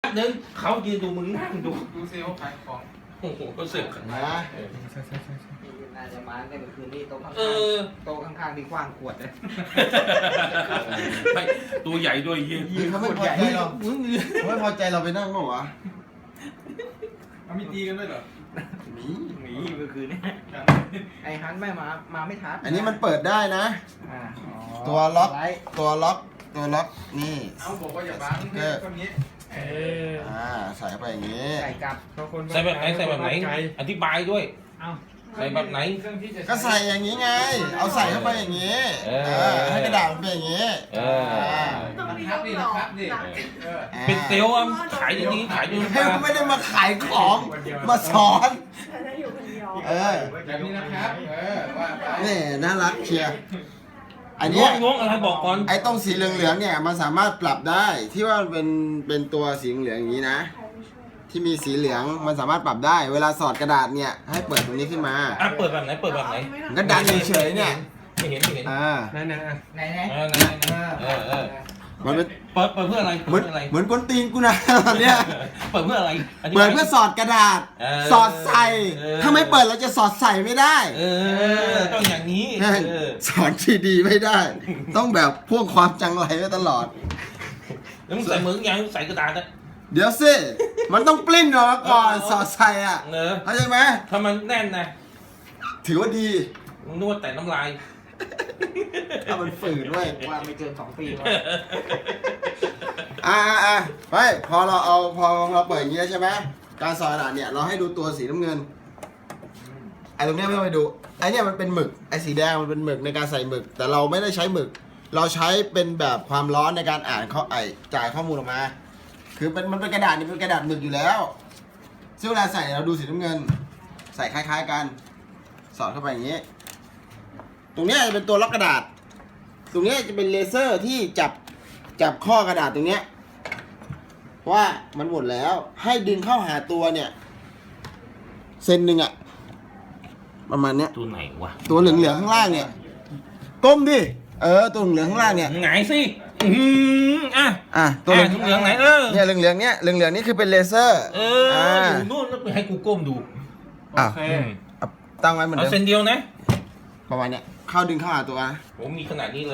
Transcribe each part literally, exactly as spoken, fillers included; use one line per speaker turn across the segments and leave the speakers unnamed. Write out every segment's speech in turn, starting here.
หนึ่งเขายืนดูมึงนั่งดู
ดูเซลล์ขายของ
โอ้โหก็เสือก
นะ
น่าจะมาในเมื่อคืนนี้โต๊ะข้าง
เออ
ๆโต๊ะข้างๆที่กว้างขวดเลย
ไม่ตัวใหญ่ด้วยเยี่ย
ยิงเขาไม่พอใจเราเขาไม่พอใจเราไปนั่งมั้งวะ
เอามีตีกันด้วยเหรอ
หนี
หนีเมื่อคืนนี้ไอ้ฮันไม่มามาไม่ทัน
อันนี้มันเปิดได้นะ
อ่าอ๋อ
ตัวล็อก
ไลท์
ตัวล็อกตัวล็อกนี่
เอาบอกว่าอย่าบังให้คนนี้
เออ
อ่าใส่เข้าไปอย่างนี้
ใส่กลับ
เขาคน
ใส่แบบไหนใส่แบบไหนอธิบายด้วย
เอ้า
ใส่แบบไหน
เครื่องที่จะ
ก็ใส่อย่างนี้ไง เอาใส่เข้าไปอย่างนี้
เออ
เออให้กระดาษมันเป็นอย่างนี้
เออ
มันทับดิมันทับดิเออ
อ่า
เป็นเซลล์อะขายอย่างนี้ขายอยู่
เฮ้ยไม่ได้มาขายของมาสอน
ฉันจะอยู่คนเดียว
เออ
แบบนี้นะครับ เออว่าไป
นี่น่ารักเชียร์อัน
ง
เนี้
ง
ย
งงอะไรบอกก่อน
ไอ้ตรงสีเหลืองๆเนี่ยมันสามารถปรับได้ที่ว่าเป็นเป็นตัวสีเหลืองอย่างนี้นะ ที่มีสีเหลืองมันสามารถปรับได้ เวลาสอดกระดาษเนี่ยให้เปิดตรงนี้ขึ้นมา
อ่ะเปิดแบบไหนเปิดแบบไหน
มันก็ดันเฉยๆเนี่ย
ไม่เห็นไม่เห็น
อ่า
นั่นนะ
ไหนไหน
เออไหนไหนเออเออ
มันเป็น
เปิดเปิดเพื่ออะไร
เหมื
เปิ
อน
ดเพื่ออะไร
เหมือนกวนตีนกูนะ ตอนเนี้ย
เปิดเพื่ออะไรธิบาย
เปิดเพื่อสอดกระดาษ
เออ
สอดใส่
เออ
ถ้าไม่เปิดเราจะสอดใส่ไม่ได้
เออต้องอย่างนี้
แม่ง
เออ
สอนที่ดีไม่ได้ ต้องแบบพ่วงความจังไรไว้ตลอด
แล้วมึงใส่มือยังใส่กระดาษนะ
เดี๋ยวสิมันต้องปลิ้นออกมาก่อนสอดใส่อ่ะ
เออ
เข้าใจไหม
ถ้ามันแน่นนะ
ถือว่าดี
มึงนวดแต่น้ำลาย
ถ้ามันฝืนด้วย
ว่าไม่เกินสองปีวะ
อ่าอ่าอ่าไม่พอเราเอาพอเราเปิดอย่างนี้แล้วใช่ไหมการสอดกระดาษเนี่ยเราให้ดูตัวสีน้ำเงินไอ้ตรงเนี้ยไม่ต้องไปดูไอ้เนี่ยมันเป็นหมึกไอ้สีแดงมันเป็นหมึกในการใส่หมึก แต่เราไม่ได้ใช้หมึก เราใช้เป็นแบบความร้อนในการอ่านข้อไอจ่ายข้อมูลออกมา คือเป็นมันเป็นกระดาษนี่เป็นกระดาษหมึกอยู่แล้วซึ่งเวลาใส่เราดูสีน้ำเงิน ใส่คล้ายๆกันสอดเข้าไปอย่างนี้ ตรงเนี้ยจะเป็นตัวล็อกกระดาษ ตรงเนี้ยจะเป็นเลเซอร์ที่จับจับข้อกระดาษตรงเนี้ยว่ามันหมดแล้วให้ดึงเข้าหาตัวเนี่ยเซนหนึ่งอะประมาณเนี้ย
ตัวไหนวะ
ตัวเหลืองๆข้างล่างเนี่ยก้มดิเออตัวเหลืองๆข้างล่างเนี่ย
ไงสิอือหืออ่ะ
อ่ะตัว
อ่ะเหลืองๆไหนเออ
เนี่ยเหลืองๆเนี้ยเหลืองๆนี่คือเป็นเลเซอร์
เอออยู่นู่นแล้วไปให้กูก้มดู
อ่ะ
โอเค
อืม
เอาตั้งไว้เหมือน
เอา
เดิ
เส้น
ม
เดียวนะ
ประมาณเนี้ยเข้าดึงเข้าหาตัวนะ
ผมมีขนาดนี้เลย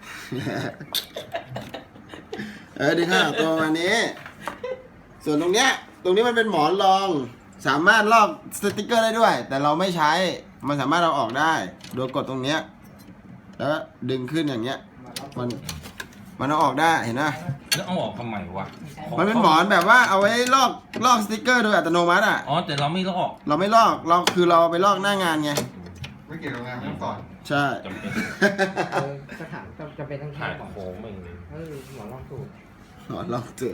เออดึงเข้าหาตัวประมาณนี้ ส่วนตรงเนี้ยตรงนี้มันเป็นหมอนรอง สามารถลอกสติกเกอร์ได้ด้วย แต่เราไม่ใช้มันสามารถเราออกได้โดยกดตรงเนี้ยแล้วก็ดึงขึ้นอย่างเงี้ยมันมันเอาออกได้เห็นไหม
แล้วเอาออกทำไมวะ
มันเป็นหมอนแบบว่าเอาไว้ลอกลอกสติกเกอร์โดยอัตโนมัติอ่ะ
อ๋อแต่เราไม่ลอก
เราไม่ลอกเราคือเราเอาไปลอกหน้างานไง
ไม่เกี่ยวกับงานขั้นตอน
ใช่
จำเป็น
เออสถานจะเป็นทั้ง
ถ่า
แค่
ย
หมอน
โค้งมึง
เออหมอนรองสูตร
หมอนลอกเจอ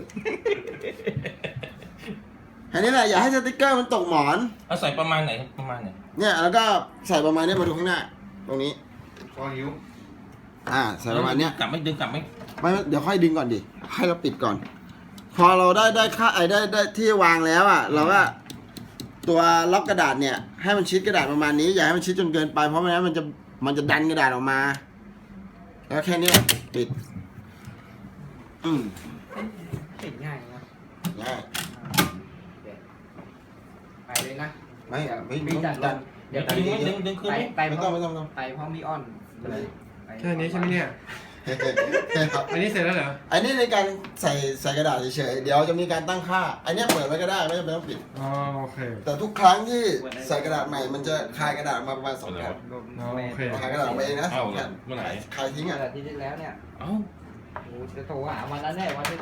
อันนี้แหละอย่าให้สติกเกอร์มันตกหมอน
เอาใส่ประมาณไหนประมาณไหน
เนี่ยแล้วก็ใส่ประมาณเนี้ยมาดูข้างหน้า ตรงนี้
พอหิว
อ่าใส่ประมาณเนี้ย
กลับไม่ดึงกลับไม่
ไม่เดี๋ยวค่อยดึงก่อนดิให้เราปิดก่อน พอเราได้ได้ค่าไอ้ได้ได้ที่วางแล้วอ่ะเราก็ตัวล็อกกระดาษเนี่ยให้มันชิดกระดาษประมาณนี้อย่าให้มันชิดจนเกินไปเพราะไม่งั้นมันจะมันจะดันกระดาษออกมา แล้วแค่เนี้ยปิด อืม
ติดง่ายนะ
ง่าย
ไปเลยนะ
ไม่ไม่
มี
ต้อง
จัด
ดัน
เดี๋ยว
ดึงดึงดึงขึ้น
ไป
ไหม
ไป
ไม่
พ
ต้
ร้
อ
อง ม
ไม่ต้องไม่ต้อง
ไปพร้อมมีออนเลยไป
แค่นี้ใช่ไหมเนี่ย อันนี้เสร็จแล้วเหรอ
อันนี้ในการใส่ใส่กระดาษเฉยๆเดี๋ยวจะมีการตั้งค่า อันเนี้ยเปิดไว้ก็ได้ไม่จำเป็นต้องปิด
อ๋อโอเค
แต่ทุกครั้งที่ใส่กระดาษใหม่มันจะคายกระดาษมาประมาณสองแผ่น
อ๋อโอเค
คายกระดาษออกมาเองนะ
เอา
สอง
เล
แผ่
ย
น
เมื่อไหร่
คายทิ้ง
เมื่
อ่ะ
อที่ที่แล้วเนี่ย
เอ้า
โอ้จะโทรหาวันนั้นแน่วันที่